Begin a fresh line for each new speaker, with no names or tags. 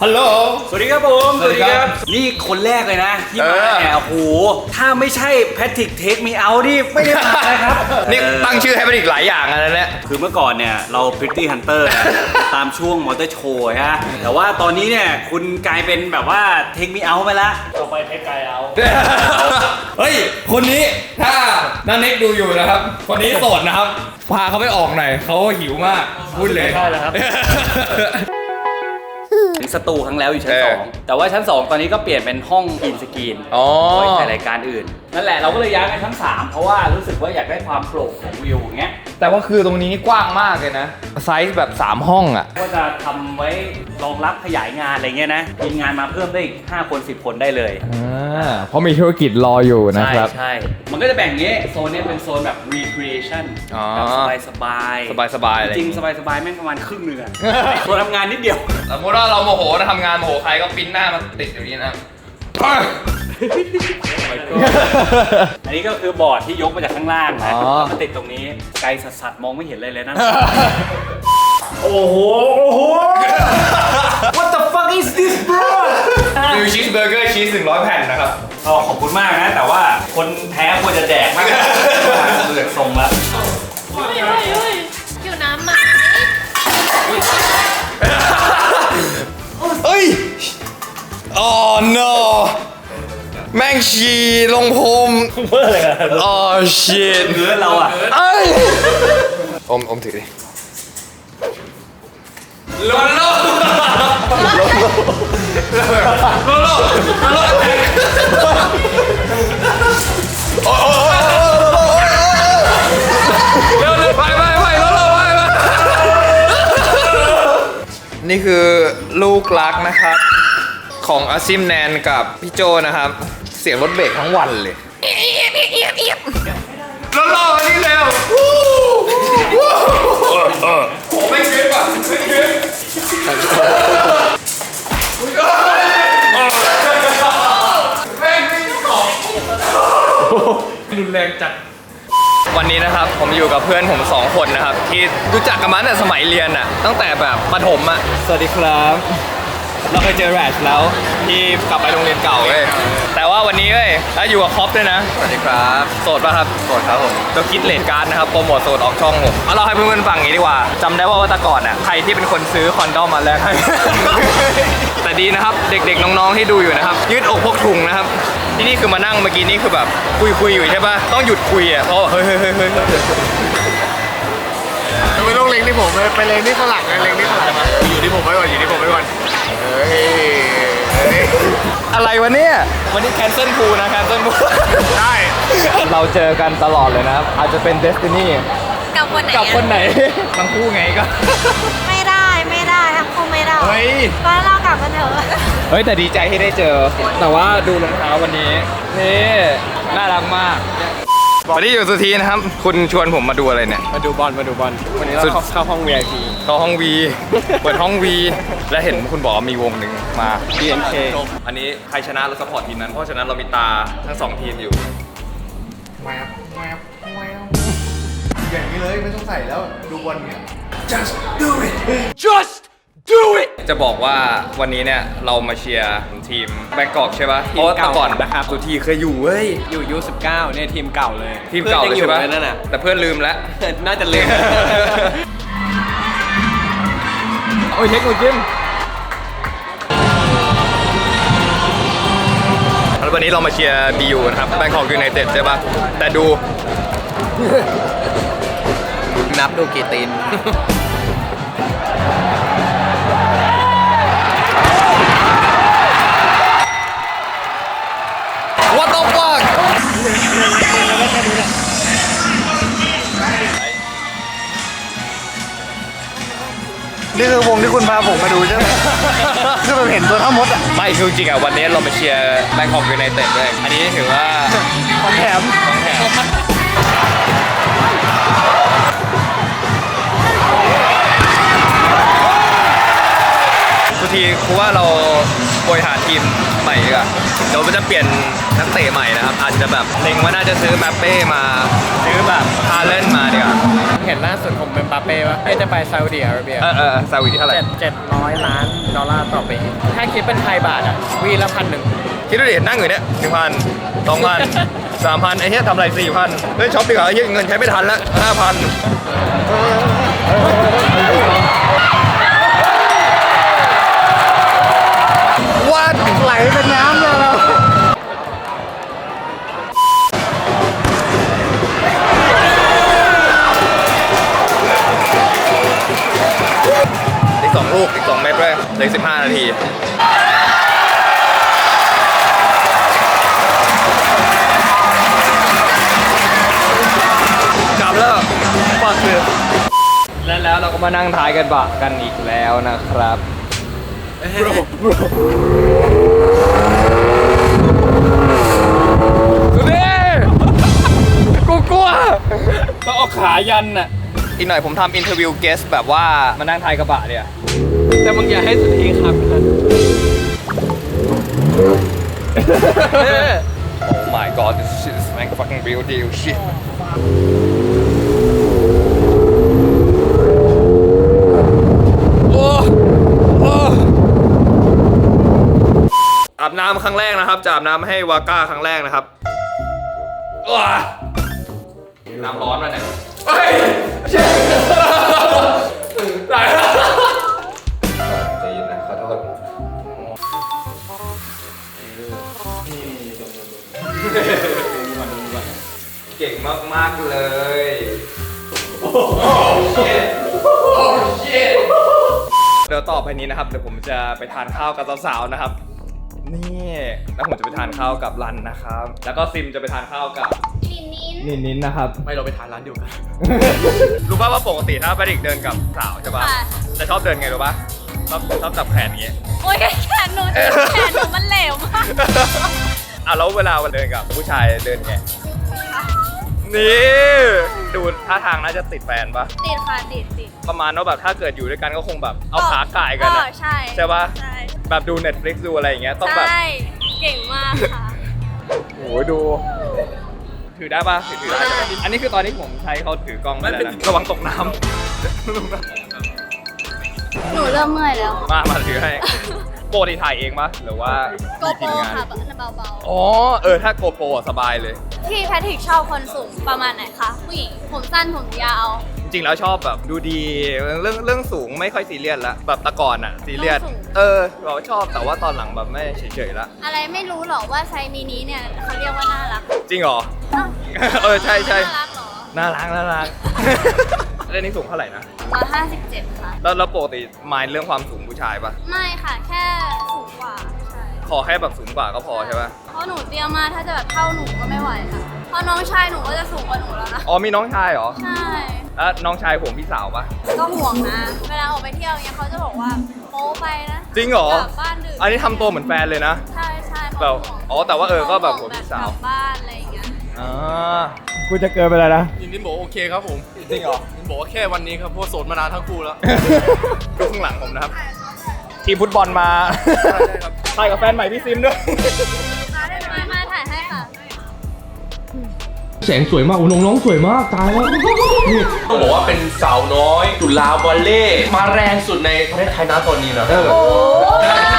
ฮัลโหล
สวัสดีครับผมสวัสดีครับนี่คนแรกเลยนะที่มาเนี่ยโอ้โหถ้าไม่ใช่แพทริกเทคมีเอาดิไม่ได้มาเลยครับ
นี่ตั้งชื่อให้มันอีกหลายอย่างอะไรเนี่ย
คือเมื่อก่อนเนี่ยเรา Pretty Hunter ตามช่วงมอเตอร์โชว์ฮะแต่ว่าตอนนี้เนี่ยคุณกลายเป็นแบบว่าเทคมีเอาไปละต่อไปเทคไกเอา
เฮ้ยคนนี้ถ้านันเน็กดูอยู่นะครับคนนี้โสดนะครับพาเขาไปออกหน่อยเขาหิวมากพูดเลย
ใช่แล้วครับถึงสตูครั้งแล้วอยู่ชั้น2แต่ว่าชั้น2ตอนนี้ก็เปลี่ยนเป็นห้องอินสกรีนไว้ถ่ายรายการอื่นนั่นแหละเราก็เลยย้ายไปชั้น3เพราะว่ารู้สึกว่าอยากได้ความโปร่งของวิวอย่างเงี้ย
แต่ว่าคือตรงนี้นี่กว้างมากเลยนะไซส์แบบ3ห้องอ่ะ
ก็จะทำไว้รองรับขยายงานอะไรเงี้ยนะมีงานมาเพิ่มได้อีก5 คน 10 คนได้เลย
เพราะมีธุรกิจรออยู่นะครับ
ใช่มันก็จะแบ่งงี้โซนนี้เป็นโซนแบบ recreation แบบสบายอะไรจริงสบายแม่งประมาณครึ่งนึงอะโซนทำงานนิดเดียว
สมมติว่าเราโมโหนะทำงานโมโหใครก็ปิ้นหน้ามาติดอยู่นี่นะ
อันนี้ก็คือบอร์ดที่ยกมาจากข้างล่างนะมาติดตรงนี้ไกลสัสๆมองไม่เห็นเลยนะโอ้โห What the fuck is this bro
นิวชีสเบอร์เกอร์ชีส100 แผ่นนะครับ
ขอบคุณมากนะแต่ว่าคนแพ้ควรจะแดกมากเลือกทรงละ
อยู่น้ำไหม
เอ้ยอ๋อ no แม่งฉี่ลงพรม
เมื่อไรอะ
อ๋อ shit
เนื้อเราอะ
เอ้ยอมถือดิโลโลนี่คือลูกรักนะครับของอาซิมแนนกับพี่โจนะครับเสียงรถเบรกทั้งวันเลยรอๆนี่เร็วโอ้ไม่เก็บอ่ะไม่เก็บรุนแรงจัดวันนี้นะครับผมอยู่กับเพื่อนผม2 คนนะครับที่รู้จักกันมาตั้งแต่สมัยเรียนอ่ะตั้งแต่แบบประถมอ่ะสวัสดีครับเราเคยเจอแรชแล้วที่กลับไปโรงเรียนเก่าเลยแต่ว่าวันนี้เว้ยแล้วอยู่กับคอปด้วยนะสวัสดีครับโสดป่ะครับโสดครับผมจะคิดเลทการ์ดนะครับโปรโมทโสดออกช่องผมมาเล่าให้เพื่อนๆฟังอย่างนี้ดีกว่าจำได้ว่าแต่ก่อนอ่ะใครที่เป็นคนซื้อคอนดอมมาแลกให้แต่ดีนะครับเด็กๆน้องๆที่ดูอยู่นะครับยืดอกพกถุงนะครับที่นี่คือมานั่งเมื่อกี้นี่คือแบบคุยอยู่ใช่ป่ะต้องหยุดคุยอ่ะเพราะเฮ้ย
ไม่ต้องเล็งที่ผมเลยไปเล็งที่ข้างหลังเลยเล็งที่ข้างหลังอยู่ที่ผมไว้ก่อนเฮ้ย
อะไรวะเนี่ยวันนี้แคนเซิลพูนะแคนเซิลพู
ใช่
เราเจอกันตลอดเลยนะครับอาจจะเป็นเดสตินี
กับคนไหน
ทั้งคู่ไงก็
ไม่ได้ทั้งคู่ไม่ได้
เฮ้ย
ก็เรากลับกันเถอะ
เฮ้ยแต่ดีใจที่ได้เจอแต่ว่าดูรองเท้าวันนี้นี่น่ารักมากวันนี้อยู่สุธีนะครับคุณชวนผมมาดูอะไรเนี่ย
มาดูบอลวันนี้เราเข้าห้อง VIP
เข้าห้อง V เปิดห้อง V และเห็นคุณบอกมีวงหนึ่งมา
BNK
อันนี้ใครชนะเราซัพพอร์ตทีมนั้นเพราะฉะนั้นเรามีตาทั้ง2 ทีมอยู่
แวบอย่างนี้เลยไม่ต้องใส่แล้วดูบอลเนี่ย just do it
จะบอกว่าวันนี้เนี่ยเรามาเชียร์ทีมแบงกอกใช่ปะเพราะว่าแต่ก่อนนะครับสุธีเคยอยู่เว้ย
อยู่ยู19เนี่ยทีมเก่าเลย
ทีมเก่าเลยใช่ปะแต่เพื่อนลืมแล้ว
น่าจะลืม
โอ้ยเทคโนจิมแล้ววันนี้เรามาเชียร์ BU นะครับแบงกอกยูไนเต็ดใช่ปะแต่ดู
นับดูกี่ตีน
What the fuck
นี่คือวงที่คุณพาผมมาดูใช่ไหมคือแบบเห็นตัวทั้งหมดอ่ะ
ไม่คือจริงอ่ะวันนี้เรามาเชียร์แบงคอกยูไนเต็ดเลยอันนี้ถือว่า
ของแถม
ทุกทีคือว่าเราบริหารทีมใหม่ดีกว่าเดี๋ยวมันจะเปลี่ยนนักเตะใหม่นะครับอาจจะแบบเล็งว่าน่าจะซื้อแมปเป้มาซื้อแบบฮาเลนมาดีกว่า
เห็นล่าสุดผมเป็นปาเป้ว่าจะไปซาอุดิอาระเบีย
ซาอุดิเท่าไหร่
700 ล้านดอลลาร์ต่อปีถ้าคิดเป็นไทยบาทอ่ะวีละ1,100
คิดดูดินั่งอยู่เนี่ย1,000 2,000 3,000ไอ้เหี้ยทำอะไร4,000เฮ้ยช็อปดีกว่าไอ้เหี้ยเงินใช้ไม่ทันแล้ว5,000วัดไหลเป็นน้ำเลยอีก2 ลูกอีก2 เม็ดด้วยเหลือ15 นาทีกลับแล้วปักเลยแล้วเราก็มานั่งท้ายกันบะกันอีกแล้วนะครับดูดิกูกลัวต้องเอาขายันน่ะอีกหน่อยผมทำอินเทอร์วิวเกสแบบว่ามานั่งท้ายกระบะเนี่ยแต่มึงอย่าให้สุดทีครับOh my god, this shit is like fucking real deal shit. อาบน้ำครั้งแรกนะครับจะอาบน้ำให้วาก้าครั้งแรกนะครับน้ำร้อนมาเนี่ยเฮ้ยเช็ดได้ใจเย็นนะขอโทษเก่งมากๆเลยโอ้เชิดโอ้เชิดเดี๋ยวต่อไปนี้นะครับเดี๋ยวผมจะไปทานข้าวกับสาวๆนะครับนี่แล้วผมจะไปทานข้าวกับรันนะครับแล้วก็ซิมจะไปทานข้าวกับนินนะครับไม่เราไปทานร้านเดียวกัน รู้ป่ะว่าปกติถ้าไปเด็กเดินกับสาวใช่ป่ะจะชอบเดินไงรู้ป่ะชอบจับแขนอย่างงี้
โอ้ยแขนหนูมันเหลวมาก
แล้วเวลาเดินกับผู้ชายเดินไงนี่ดูท่าทางน่าจะติดแฟนป่ะ
ติดค่ะติด
ประมาณว่าแบบถ้าเกิดอยู่ด้วยกันก็คงแบบเอาขาก่ายกันนะ
ใช่
ใช่ป่ะ
ใช่
แบบดู Netflix ดูอะไรอย่างเงี้ยต้องแบบ
ใช่เก่งมากค่ะ
โอ้ยดูถือได้ป่ะถือได้ใช่ไหมอันนี้คือตอนที่ผมใช้เขาถือกล้องมาแล้วนะระวังตกน้ำ
หนูเริ่มเมื่อยแล้ว
มาถือให้โปรที่ถ่ายเองป่ะหรือว่า
โกโปรค่ะเบา
อ๋อถ้าโกโปรสบายเลย
ๆพี่แพทริกชอบคนสูงประมาณไหนคะผู้หญิงผมสั้นผมยาว
จริงแล้วชอบแบบดูดีเรื่องสูงไม่ค่อยซีเรียสละแบบแตะก่อนอะซีเรียสเราชอบแต่ว่าตอนหลังแบบไม่เฉยๆละ
อะไรไม่รู้หรอกว่าไซส์มินิเนี่ยเขาเรียกว่าน่ารัก
จริงเหรอ ใช่
น่ารักเหรอ
น่ารักเรื่องนี้สูงเท่าไหร่นะ
157 ค่ะ
แล้วปกติมายเรื่องความสูงผู้ชายปะ
ไม่ค่ะแค่สูงกว่าใช่
ขอแค่แบบสูงกว่าก็พอใช่ปะ
เพราะหนูเตี้ยมากถ้าจะแบบเท่าหนูก็ไม่ไหวค่ะเพราะน้องชายหนูก็จะสูงกว่าหนูแล้วนะ
อ๋อมีน้องชายเหรอ
ใช่
แล้วน้องชายผมพี่สาวปะ
ก็ห่วงนะเวลาออกไปเที่ยวเงี้ยเขาจะบอกว่าโป๊ไปนะ
จริงเหรอก
ลับบ้านดึก
อันนี้ทำตัวเหมือนแฟนเลยนะ
ใช่เขา
แบบ
ห่วง
อ๋อแต่ว่าก็แบบหัวพี่สาว
กลับบ้านอะไรอย่างเงี้ย
กูจะเกินไปแล้วนะ
นินบอกโอเคครับผม
จริงเหรอ
นินบอกว่าแค่วันนี้ครับเพราะโสดมานานทั้งคู่แล้ว
ดูข้างหลังผมนะครับ ทีมฟุตบอลมา
ใช่ครับ
ถ่ายกับแฟนใหม่พี่ซิมด้วย
มาถ่ายให้ค่ะ
แสงสวยมากโอ้น้องๆสวยมากตายแล้วนี่
ต้องบอกว่าเป็นสาวน้อยจุฬาวอลเล่มาแรงสุดในประเทศไทยนะตอนนี้นะ
โอ้